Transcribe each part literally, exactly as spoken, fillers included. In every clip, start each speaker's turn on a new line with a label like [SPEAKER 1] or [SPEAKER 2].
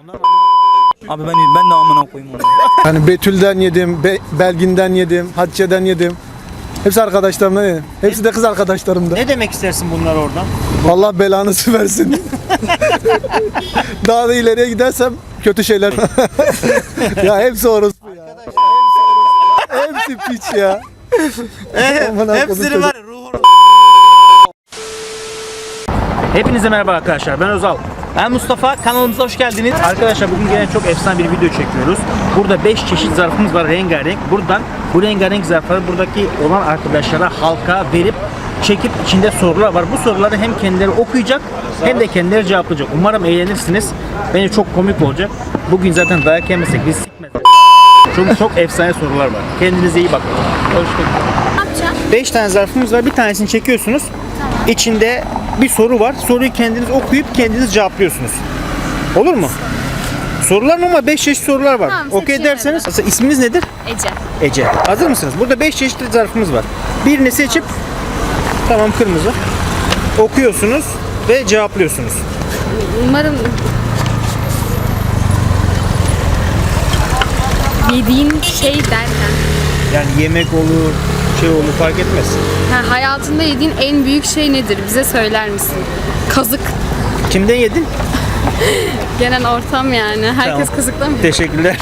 [SPEAKER 1] Abi ben ben de amına koyayım onu.
[SPEAKER 2] Yani Betül'den yedim, Be- Belgin'den yedim, Hatice'den yedim. Hepsi arkadaşlarımdan yedim. Hepsi de kız arkadaşlarımda.
[SPEAKER 3] Ne demek istersin bunlar oradan?
[SPEAKER 2] Allah belanızı versin. Daha da ileriye gidersem kötü şeyler. Ya hepsi orospu ya. Hepsi orospu. Hepsi piç ya. Aman
[SPEAKER 3] Hepsini
[SPEAKER 2] Allah'ım.
[SPEAKER 3] var ya, ruhunu. Hepinize merhaba arkadaşlar, ben Özal. Ben Mustafa, kanalımıza hoş geldiniz. Arkadaşlar bugün gene çok efsane bir video çekiyoruz. Burada beş çeşit zarfımız var, rengarenk. Buradan bu rengarenk zarfları buradaki olan arkadaşlara, halka verip çekip içinde sorular var. Bu soruları hem kendileri okuyacak hem de kendileri cevaplayacak. Umarım eğlenirsiniz. Bence çok komik olacak. Bugün zaten dayak yemesek biz sikmez. Çünkü çok efsane sorular var. Kendinize iyi bakın. Hoşçakalın. beş tane zarfımız var. Bir tanesini çekiyorsunuz. İçinde bir soru var. Soruyu kendiniz okuyup kendiniz cevaplıyorsunuz. Olur mu? Sorular ama beş çeşit sorular var.
[SPEAKER 4] Tamam,
[SPEAKER 3] Okey
[SPEAKER 4] seçiyorum
[SPEAKER 3] derseniz. Aslında isminiz nedir?
[SPEAKER 4] Ece.
[SPEAKER 3] Ece. Hazır mısınız? Burada beş çeşitli zarfımız var. Birini seçip tamam kırmızı. Okuyorsunuz ve cevaplıyorsunuz.
[SPEAKER 4] Umarım yediğin şey derken.
[SPEAKER 3] Yani yemek olur, şey olur fark etmez.
[SPEAKER 4] Ha, hayatında yediğin en büyük şey nedir? Bize söyler misin? Kazık.
[SPEAKER 3] Kimden yedin?
[SPEAKER 4] Genel ortam yani. Herkes
[SPEAKER 3] Tamam.
[SPEAKER 4] kazıklamıyor.
[SPEAKER 3] Teşekkürler.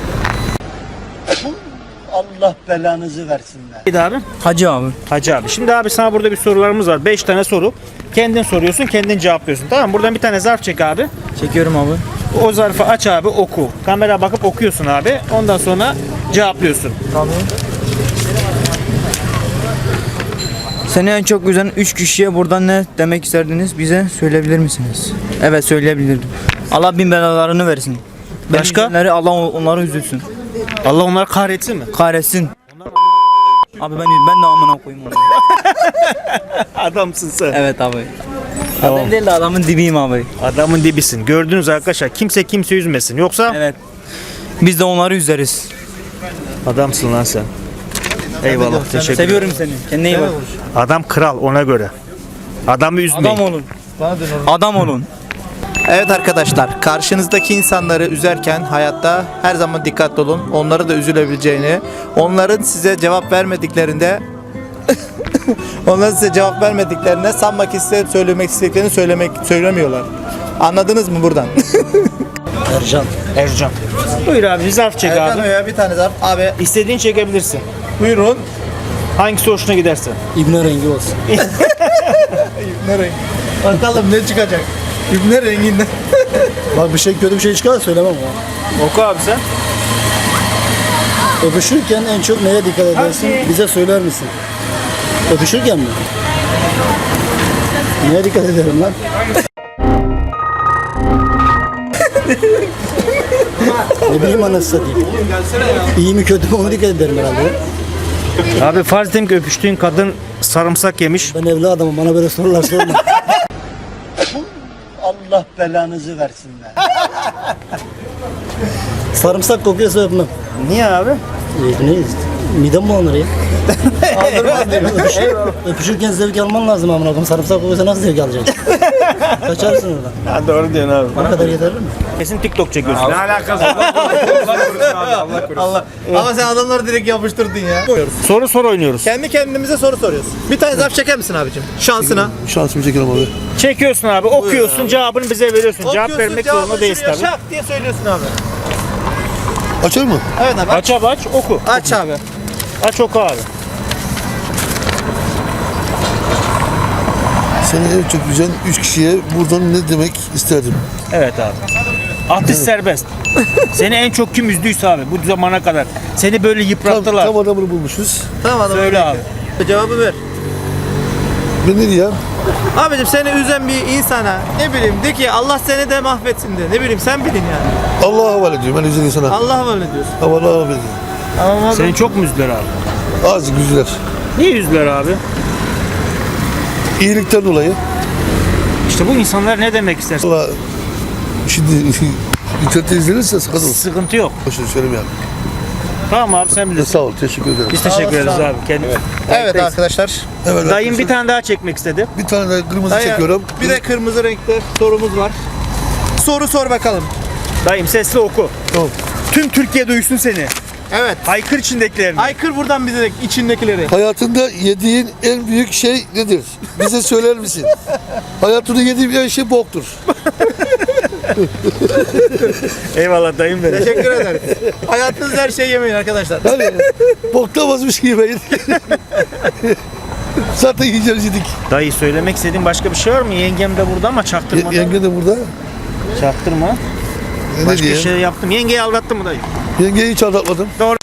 [SPEAKER 5] Allah belanızı versinler.
[SPEAKER 3] Neydi abi?
[SPEAKER 1] Hacı abi.
[SPEAKER 3] Hacı abi. Şimdi abi sana burada bir sorularımız var. beş tane soru. Kendin soruyorsun, kendin cevaplıyorsun. Tamam mı? Buradan bir tane zarf çek abi.
[SPEAKER 1] Çekiyorum abi.
[SPEAKER 3] O zarfı aç abi, oku. Kamera bakıp okuyorsun abi. Ondan sonra cevaplıyorsun.
[SPEAKER 1] Tamam. Seni en çok üzen üç kişiye buradan ne demek isterdiniz? Bize söyleyebilir misiniz? Evet, söyleyebilirdim. Allah bin belalarını versin. Beni
[SPEAKER 3] Başka?
[SPEAKER 1] üzenleri Allah onları üzülsün.
[SPEAKER 3] Allah onları kahretsin mi?
[SPEAKER 1] Kahretsin. Abi ben ben de amına koyayım onu.
[SPEAKER 3] Adamsın sen.
[SPEAKER 1] Evet abi.
[SPEAKER 3] Tamam.
[SPEAKER 1] Ben değil de adamın dibiyim abi.
[SPEAKER 3] Adamın dibisin. Gördünüz arkadaşlar. Kimse kimse üzmesin. Yoksa
[SPEAKER 1] Evet. Biz de onları üzeriz.
[SPEAKER 3] adamsın lan sen. Eyvallah. Teşekkür ederim.
[SPEAKER 1] Seviyorum seni. Kendine iyi bak.
[SPEAKER 3] Adam kral ona göre. Adamı üzmeyin.
[SPEAKER 1] Adam olun. Adam olun.
[SPEAKER 6] Evet arkadaşlar, karşınızdaki insanları üzerken hayatta her zaman dikkatli olun. Onları da üzülebileceğini, onların size cevap vermediklerinde onların size cevap vermediklerine sanmak isteyip söylemek istediklerini söylemek söylemiyorlar. Anladınız mı buradan?
[SPEAKER 5] Ercan.
[SPEAKER 3] Ercan. Buyur abi bir zarf çek abi.
[SPEAKER 6] ya bir tane zarf. Abi
[SPEAKER 3] İstediğin çekebilirsin.
[SPEAKER 6] buyurun.
[SPEAKER 3] Hangisi hoşuna giderse.
[SPEAKER 5] İbne rengi olsun.
[SPEAKER 6] Ne renk? Bakalım ne çıkacak? İbne renginden.
[SPEAKER 5] Bak bir şey kötü bir şey çıkar söylemem ama.
[SPEAKER 3] Oku abi sen.
[SPEAKER 5] Öpüşürken en çok neye dikkat edersin? Bize söyler misin? Öpüşürken mi? Neye dikkat ederim lan? Ne bileyim anasını satayım. İyi mi kötü mü onu dikkat ederim herhalde.
[SPEAKER 3] Abi farz edelim ki öpüştüğün kadın sarımsak yemiş.
[SPEAKER 5] Ben evli adamım, bana böyle sorular sorma. Allah belanızı versinler. Sarımsak kokuyorsa öpmem.
[SPEAKER 3] Niye abi?
[SPEAKER 5] E, ne? Midem bulanır ya. Öpüş, öpüşürken zevk alman lazım amına koyayım. Sarımsak kokuyorsa nasıl zevk alacaksın? Kaçarsın oradan.
[SPEAKER 3] Ha, doğru diyorsun abi.
[SPEAKER 5] O kadar yeterli mi?
[SPEAKER 3] Kesin TikTok çekiyorsun. Ne alakası
[SPEAKER 6] Allah. Ama sen adamları direkt yapıştırdın ya.
[SPEAKER 3] Soru soru oynuyoruz.
[SPEAKER 6] Kendi kendimize soru soruyoruz. Bir tane zarf çeker misin abicim? Şansına.
[SPEAKER 2] Şansımı çekelim abi.
[SPEAKER 3] Çekiyorsun abi, okuyorsun, cevabını bize veriyorsun. Cevap vermek zorunda değilsin tabii.
[SPEAKER 6] Şak diye söylüyorsun abi.
[SPEAKER 2] Açar mı?
[SPEAKER 6] Evet abi.
[SPEAKER 3] Aç abi aç, oku.
[SPEAKER 6] Aç abi.
[SPEAKER 3] Aç oku abi.
[SPEAKER 2] Seni en çok üzen üç kişiye buradan ne demek isterdim?
[SPEAKER 3] Evet abi. Atış serbest. Seni en çok kim üzdüyse abi bu zamana kadar. Seni böyle yıprattılar.
[SPEAKER 2] Tam adamını bulmuşuz.
[SPEAKER 6] Tamam adam.
[SPEAKER 3] Söyle abi.
[SPEAKER 6] Cevabı ver.
[SPEAKER 2] Ben ne diyeyim?
[SPEAKER 6] Abicim seni üzen bir insana ne bileyim de ki Allah seni de mahvetsin de. Ne bileyim sen bilin yani.
[SPEAKER 2] Allah'a havale ediyorum ben üzen insana.
[SPEAKER 6] Allah havale ediyorsun.
[SPEAKER 2] Allah'a havale ediyorum.
[SPEAKER 6] Ama
[SPEAKER 3] Seni çok mu üzdüler abi?
[SPEAKER 2] Azıcık güzel.
[SPEAKER 3] Niye üzdüler abi?
[SPEAKER 2] İyilikten dolayı.
[SPEAKER 3] İşte bu insanlar ne demek istersin?
[SPEAKER 2] Valla şimdi internette izlenirse sıkıntı olur.
[SPEAKER 3] Sıkıntı yok.
[SPEAKER 2] Boşuna söylemiyorum.
[SPEAKER 3] Tamam abi sen bilirsin.
[SPEAKER 2] Sağ ol, teşekkür ederim.
[SPEAKER 3] Biz teşekkür ederiz abi. Kendi...
[SPEAKER 6] evet arkadaşlar.
[SPEAKER 2] Evet,
[SPEAKER 3] Dayım bir tane daha çekmek istedi.
[SPEAKER 2] bir tane de kırmızı
[SPEAKER 6] Dayı,
[SPEAKER 2] çekiyorum.
[SPEAKER 6] Bir de kırmızı renkte sorumuz var. Soru sor bakalım.
[SPEAKER 3] Dayım sesli oku.
[SPEAKER 2] Tamam.
[SPEAKER 3] Tüm Türkiye duysun seni.
[SPEAKER 6] Evet.
[SPEAKER 3] Haykır içindekilerini.
[SPEAKER 6] Haykır buradan bize de içindekileri.
[SPEAKER 7] Hayatında yediğin en büyük şey nedir? Bize söyler misin? Hayatında yediğin en şey boktur.
[SPEAKER 3] Eyvallah dayım benim.
[SPEAKER 6] Teşekkür ederiz. Hayatınızda her şeyi yemeyin arkadaşlar.
[SPEAKER 7] Yani boktan vazgeçmiş yemeyin. Zaten yiyeceğiz yedik.
[SPEAKER 3] Dayı söylemek istediğin başka bir şey var mı? Yengem de burada ama
[SPEAKER 7] Ye-
[SPEAKER 3] çaktırmadan.
[SPEAKER 7] yenge de burada.
[SPEAKER 3] Çaktırma.
[SPEAKER 7] E, ne
[SPEAKER 3] Başka
[SPEAKER 7] diye?
[SPEAKER 3] şey yaptım. Yengeyi aldattın mı dayı?
[SPEAKER 7] Yengeyi hiç aldatmadım.
[SPEAKER 3] Doğru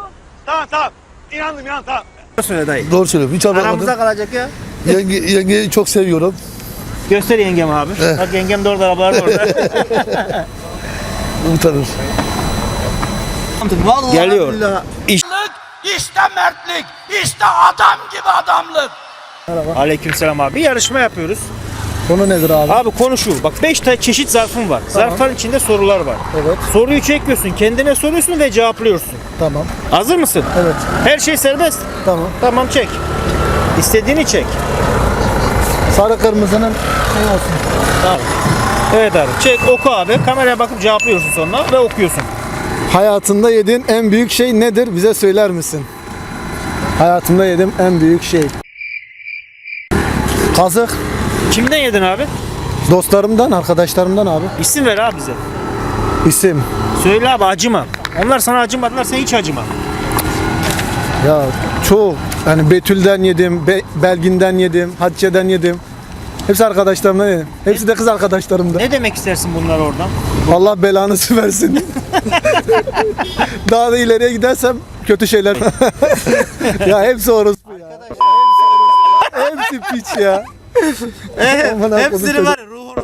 [SPEAKER 3] söyle dayı.
[SPEAKER 7] Doğru söylüyorum. Hiç aldatmadım.
[SPEAKER 6] Aramızda kalacak ya.
[SPEAKER 7] Yenge, yengeyi çok seviyorum.
[SPEAKER 3] Göster yengem abi.
[SPEAKER 7] Eh.
[SPEAKER 3] Bak yengem de orada, arabalar da orada.
[SPEAKER 7] Utanır.
[SPEAKER 6] Vallahi
[SPEAKER 3] Geliyor.
[SPEAKER 6] billahi.
[SPEAKER 8] İşte mertlik, işte adam gibi adamlık.
[SPEAKER 3] Aleykümselam abi. Bir yarışma yapıyoruz.
[SPEAKER 2] Konu nedir abi?
[SPEAKER 3] Abi konu şu. Bak beş tane çeşit zarfım var. Zarfların içinde sorular var.
[SPEAKER 2] Evet.
[SPEAKER 3] Soruyu çekiyorsun, kendine soruyorsun ve cevaplıyorsun.
[SPEAKER 2] Tamam.
[SPEAKER 3] Hazır mısın?
[SPEAKER 2] Evet.
[SPEAKER 3] Her şey serbest.
[SPEAKER 2] Tamam.
[SPEAKER 3] Tamam çek. İstediğini çek.
[SPEAKER 2] Sarı kırmızının şey olsun.
[SPEAKER 3] Evet abi. Çek, oku abi. Kameraya bakıp cevaplıyorsun sonra ve okuyorsun.
[SPEAKER 2] Hayatında yediğin en büyük şey nedir? Bize söyler misin? Hayatımda yediğim en büyük şey. Kazık.
[SPEAKER 3] Kimden yedin abi?
[SPEAKER 2] Dostlarımdan, arkadaşlarımdan abi.
[SPEAKER 3] İsim ver abi bize.
[SPEAKER 2] İsim.
[SPEAKER 3] Söyle abi, acıma. Onlar sana acımadılar, sen hiç acıma.
[SPEAKER 2] Ya çok. Yani Betül'den yedim, Be- Belgin'den yedim, Hatice'den yedim. Hepsi arkadaşlarımdan yedim. Hepsi de kız arkadaşlarımda.
[SPEAKER 3] Ne demek istersin bunlar oradan?
[SPEAKER 2] Allah belanızı versin. Daha da ileriye gidersem kötü şeyler. Ya hepsi orospu ya. Hepsi piç ya. Aman Allah'ım
[SPEAKER 6] Hepsini
[SPEAKER 2] çocuk.
[SPEAKER 6] var ya, ruhunu.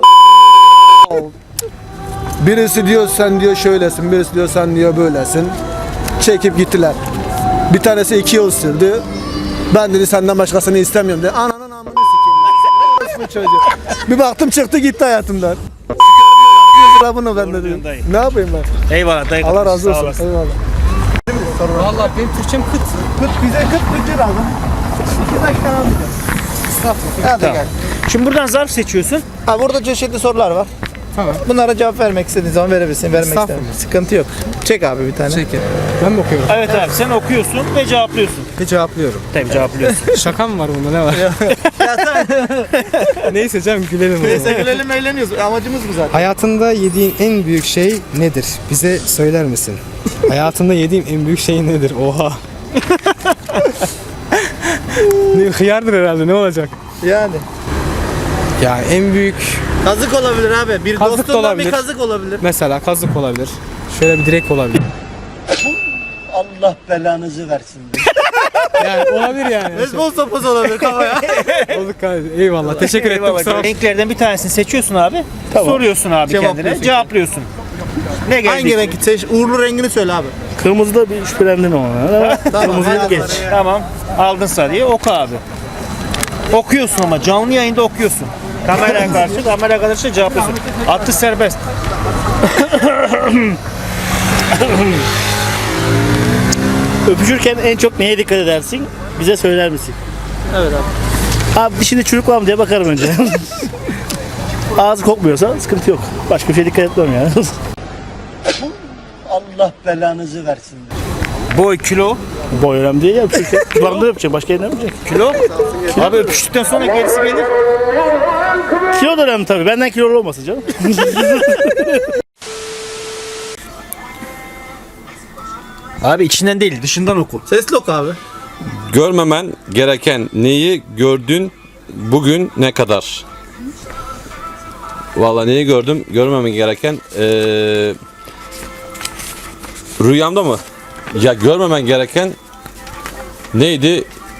[SPEAKER 2] Birisi diyor sen diyor şöylesin, birisi diyor sen diyor böylesin. Çekip gittiler. Bir tanesi iki yıl sürdü. Ben dedi senden başkasını istemiyorum dedi. Ananın amını sikeyim ben. Orospu çocuğu. Bir baktım çıktı gitti hayatımdan. Sıra bunu ben
[SPEAKER 3] Doğru diyorsun
[SPEAKER 2] dedim.
[SPEAKER 3] dayı.
[SPEAKER 2] Ne yapayım ben?
[SPEAKER 3] Eyvallah dayı.
[SPEAKER 2] Allah razı
[SPEAKER 3] Sağ
[SPEAKER 2] olsun.
[SPEAKER 3] olasın.
[SPEAKER 2] Eyvallah.
[SPEAKER 9] Vallahi benim Türkçem kıt.
[SPEAKER 2] Kıt bize kıt Türkçe lazım. İki dakika alacağım.
[SPEAKER 6] Hadi
[SPEAKER 3] Tamam.
[SPEAKER 6] gel.
[SPEAKER 3] Şimdi buradan zarf seçiyorsun.
[SPEAKER 6] Ha, burada çeşitli sorular var.
[SPEAKER 9] Tamam.
[SPEAKER 6] Bunlara cevap vermek istediğin zaman verebilirsin, vermek
[SPEAKER 9] Estağfurullah.
[SPEAKER 6] istemiyorsan. Sıkıntı yok. Çek abi bir tane.
[SPEAKER 9] Çekin. Ben mi okuyorum?
[SPEAKER 3] Evet abi, sen okuyorsun ve cevaplıyorsun.
[SPEAKER 9] Bir cevaplıyorum.
[SPEAKER 3] Tabii cevaplıyorsun.
[SPEAKER 9] Şaka mı var bunda, ne var?
[SPEAKER 6] Ya sen
[SPEAKER 9] Neyse canım, gülelim. o
[SPEAKER 6] neyse
[SPEAKER 9] zaman.
[SPEAKER 6] gülelim eğleniyoruz. Amacımız bu zaten.
[SPEAKER 9] Hayatında yediğin en büyük şey nedir? Bize söyler misin? Hayatında yediğim en büyük şey nedir? Oha. ne, hıyardır herhalde, ne olacak?
[SPEAKER 6] Yani.
[SPEAKER 9] Ya en büyük
[SPEAKER 6] Kazık olabilir abi. Bir
[SPEAKER 9] Kazık da
[SPEAKER 6] dostundan bir
[SPEAKER 9] olabilir.
[SPEAKER 6] kazık olabilir.
[SPEAKER 9] mesela kazık olabilir. Şöyle bir direk olabilir.
[SPEAKER 5] Allah belanızı versin.
[SPEAKER 9] Yani olabilir yani.
[SPEAKER 6] Beyzbol sopası olabilir kafaya.
[SPEAKER 9] Olduk kardeşim. Eyvallah. Teşekkür ederim.
[SPEAKER 3] Eyvallah.
[SPEAKER 9] Kusura bakma.
[SPEAKER 3] Renklerden bir tanesini seçiyorsun abi. Soruyorsun abi
[SPEAKER 6] Cevaplıyorsun.
[SPEAKER 3] kendine. Cevaplıyorsun. Ne geldi?
[SPEAKER 6] Hangi renk seç? Uğurlu rengini söyle abi.
[SPEAKER 5] Kırmızıda bir şüphelendim ama.
[SPEAKER 6] Tamam. hadi
[SPEAKER 5] geç.
[SPEAKER 6] bakalım.
[SPEAKER 3] Tamam. Aldın sarıyı. Oku abi. Okuyorsun ama canlı yayında okuyorsun. Kameraya karşı, kamera karşı cevaplıyorsun. Atış serbest.
[SPEAKER 5] Öpüşürken en çok neye dikkat edersin? Bize söyler misin?
[SPEAKER 6] Evet abi.
[SPEAKER 5] Abi dişinde çürük var mı diye bakarım önce. Ağzı kokmuyorsa sıkıntı yok. Başka bir şey dikkat etmem ya. Allah belanızı versin.
[SPEAKER 3] Boy, kilo.
[SPEAKER 5] Boy önemli değil ya, öpüşürken. Kulağımda öpecek, başka yerine öpecek.
[SPEAKER 3] Kilo. Abi öpüştükten sonra gerisi gelir.
[SPEAKER 5] Kilo da önemli tabii. Benden kilolu olmasın canım.
[SPEAKER 3] Abi içinden değil, dışından oku.
[SPEAKER 6] Sesli oku abi.
[SPEAKER 10] Görmemen gereken neyi gördün bugün ne kadar? Vallahi neyi gördüm? Görmemen gereken eee, rüyamda mı? Ya görmemen gereken neydi?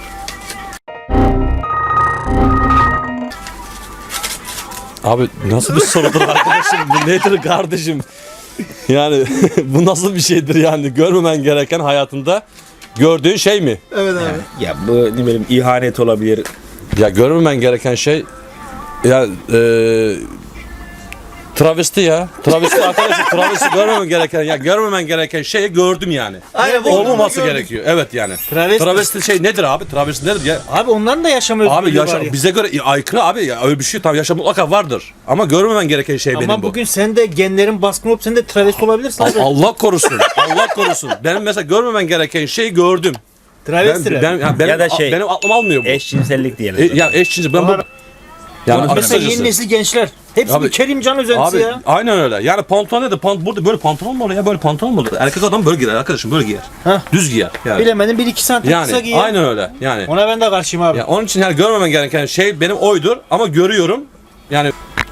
[SPEAKER 10] Abi nasıl bir sorudur arkadaşım? Bu nedir kardeşim? Yani bu nasıl bir şeydir yani? Görmemen gereken hayatında gördüğün şey mi?
[SPEAKER 6] Evet abi.
[SPEAKER 11] Ya bu ne bileyim ihanet olabilir.
[SPEAKER 10] Ya görmemen gereken şey ya e, Travesti ya. Travesti arkadaşım travesti görmemen gereken ya görmemen gereken şeyi gördüm yani.
[SPEAKER 3] Aynen, bu
[SPEAKER 10] Olmaması
[SPEAKER 3] gördük.
[SPEAKER 10] gerekiyor. Evet yani.
[SPEAKER 3] Travesti.
[SPEAKER 10] Travesti şey nedir abi? Travesti nedir ya?
[SPEAKER 3] Abi onların da yaşam özgürlüğü
[SPEAKER 10] Abi yaşa,
[SPEAKER 3] var ya.
[SPEAKER 10] bize göre aykırı abi ya öyle bir şey tam yaşam mutlaka vardır. Ama görmemen gereken şey benim
[SPEAKER 3] Ama
[SPEAKER 10] bu.
[SPEAKER 3] bugün sen de genlerin baskın olup sen de travesti olabilirsin abi.
[SPEAKER 10] Allah korusun. Allah korusun. Benim mesela görmemen gereken şeyi gördüm.
[SPEAKER 3] Travestiler.
[SPEAKER 10] Ben, ben, ya benim,
[SPEAKER 11] Ya da şey,
[SPEAKER 10] benim aklım almıyor bu.
[SPEAKER 11] Eşcinsellik diyelim.
[SPEAKER 10] E, ya eşcinci ben bu
[SPEAKER 3] Var.
[SPEAKER 10] yani
[SPEAKER 3] Mesela
[SPEAKER 10] kısacası-
[SPEAKER 3] yeni nesil gençler. Hepsi
[SPEAKER 10] Abi-
[SPEAKER 3] bir Kerimcan özentisi
[SPEAKER 10] Abi
[SPEAKER 3] ya.
[SPEAKER 10] aynen öyle. Yani pantolon ne de pant burada böyle pantolon mu olur ya böyle pantolon mu olur? Erkek adam böyle giyer arkadaşım böyle giyer.
[SPEAKER 3] Hah.
[SPEAKER 10] Düz giyer yani.
[SPEAKER 3] Bilemedim bir iki santim kısa
[SPEAKER 10] Yani
[SPEAKER 3] giyer.
[SPEAKER 10] aynen öyle. Yani
[SPEAKER 3] Ona ben de karşıyım abi.
[SPEAKER 10] ya onun için yani görmemen gereken şey benim oydur ama görüyorum. Yani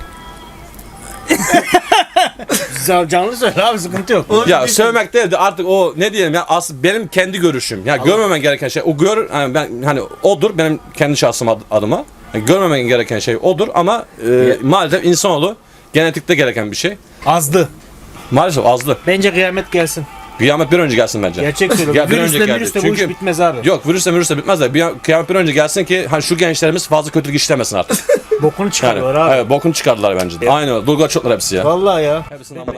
[SPEAKER 3] Can- Canlı söyle abi sıkıntı yok.
[SPEAKER 10] ya sövmek değil de artık o ne diyelim ya as benim kendi görüşüm. Ya görmemen gereken şey o gör hani ben hani odur benim kendi şahsım ad- adıma. Yani görmemen gereken şey odur ama e, maalesef insanoğlu genetikte gereken bir şey.
[SPEAKER 3] Azdı.
[SPEAKER 10] Maalesef azdı.
[SPEAKER 3] Bence kıyamet gelsin.
[SPEAKER 10] Kıyamet bir önce gelsin bence.
[SPEAKER 3] Gerçek
[SPEAKER 10] Ya
[SPEAKER 3] söylüyorum.
[SPEAKER 10] bir önce
[SPEAKER 3] Virüsle
[SPEAKER 10] geldi.
[SPEAKER 3] virüsle bu iş
[SPEAKER 10] Çünkü-
[SPEAKER 3] bitmez abi.
[SPEAKER 10] Yok virüsle virüsle bitmez de bir kıyamet bir önce gelsin ki hani şu gençlerimiz fazla kötülük işlemesin artık.
[SPEAKER 3] Bokunu
[SPEAKER 10] Yani,
[SPEAKER 3] çıkarıyorlar abi.
[SPEAKER 10] evet bokunu çıkardılar bence de. Aynen öyle. Dulgar çoklar hepsi ya.
[SPEAKER 3] Vallahi ya.
[SPEAKER 10] Hepsini ama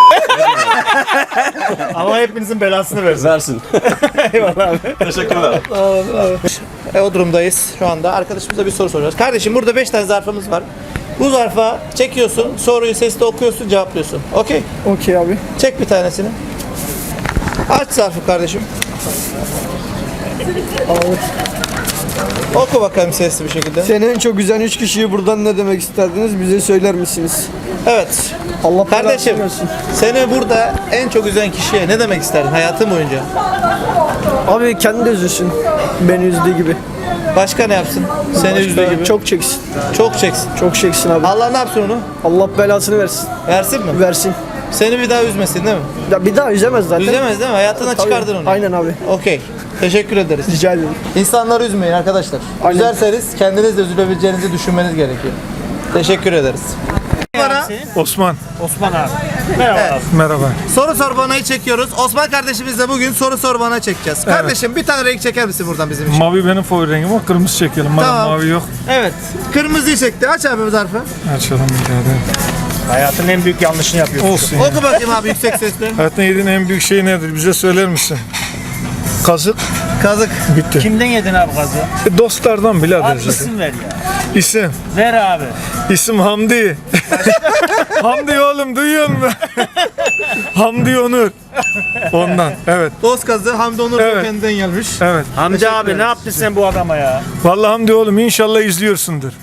[SPEAKER 3] Ama hepinizin belasını versin.
[SPEAKER 10] versin.
[SPEAKER 3] Eyvallah abi.
[SPEAKER 10] Teşekkürler.
[SPEAKER 6] E, o durumdayız şu anda. Arkadaşımıza bir soru soracağız. Kardeşim burada beş tane zarfımız var. Bu zarfa çekiyorsun, soruyu sesli okuyorsun, cevaplıyorsun. Okey.
[SPEAKER 2] Okey abi.
[SPEAKER 6] Çek bir tanesini. Aç zarfı kardeşim. Oku bakalım sesli bir şekilde.
[SPEAKER 2] Seni en çok üzen üç kişiyi buradan ne demek isterdiniz? Bize söyler misiniz?
[SPEAKER 6] Evet.
[SPEAKER 2] Allah
[SPEAKER 6] Kardeşim,
[SPEAKER 2] belasını versin.
[SPEAKER 6] seni burada en çok üzen kişiye ne demek isterdin hayatın boyunca?
[SPEAKER 2] Abi kendi de üzülsün. Beni üzdüğü gibi.
[SPEAKER 6] Başka ne yapsın? Seni üzdüğü gibi.
[SPEAKER 2] Çok çeksin.
[SPEAKER 6] çok çeksin.
[SPEAKER 2] Çok çeksin abi.
[SPEAKER 6] Allah ne yapsın onu?
[SPEAKER 2] Allah belasını versin.
[SPEAKER 6] Versin mi?
[SPEAKER 2] Versin.
[SPEAKER 6] Seni bir daha üzmesin değil mi?
[SPEAKER 2] Ya bir daha üzemez zaten.
[SPEAKER 6] Üzemez değil mi? Hayatına
[SPEAKER 2] Tabii.
[SPEAKER 6] çıkardın onu.
[SPEAKER 2] Aynen abi.
[SPEAKER 6] Okey. Teşekkür ederiz.
[SPEAKER 2] Rica ederim.
[SPEAKER 6] İnsanları üzmeyin arkadaşlar.
[SPEAKER 2] Aynen.
[SPEAKER 6] Üzerseniz kendiniz de üzülebileceğinizi düşünmeniz gerekiyor. Teşekkür ederiz. Bana
[SPEAKER 2] Osman.
[SPEAKER 3] Osman abi. Merhaba abi.
[SPEAKER 2] Merhaba.
[SPEAKER 6] soru sor bana'yı çekiyoruz. Osman kardeşimizle bugün soru sor bana çekeceğiz. Kardeşim bir tane renk çeker misin buradan bizim için?
[SPEAKER 2] Mavi benim favori rengim ama kırmızı çekelim. Madem
[SPEAKER 6] Tamam.
[SPEAKER 2] mavi yok.
[SPEAKER 6] Evet. Kırmızıyı çekti. Aç abi bu zarfı.
[SPEAKER 2] Açalım bir tane.
[SPEAKER 3] Hayatın en büyük yanlışını yapıyorsun.
[SPEAKER 2] Olsun.
[SPEAKER 6] Oku bakayım abi yüksek sesle.
[SPEAKER 2] Hayatında yediğin en büyük şey nedir? Bize söyler misin? Kazık.
[SPEAKER 6] Kazık.
[SPEAKER 2] Bitti.
[SPEAKER 3] Kimden yedin abi gazı?
[SPEAKER 2] E, dostlardan birader
[SPEAKER 3] Abi
[SPEAKER 2] zaten.
[SPEAKER 3] isim ver ya.
[SPEAKER 2] İsim.
[SPEAKER 3] Ver abi.
[SPEAKER 2] İsim Hamdi. Hamdi oğlum duyuyor musun? Hamdi Onur. Ondan. Evet.
[SPEAKER 6] Dost kazı Hamdi Onur
[SPEAKER 2] Evet.
[SPEAKER 6] kendinden gelmiş.
[SPEAKER 2] Evet.
[SPEAKER 3] Hamdi abi ne yaptın sen bu adama ya?
[SPEAKER 2] Vallahi Hamdi oğlum inşallah izliyorsundur.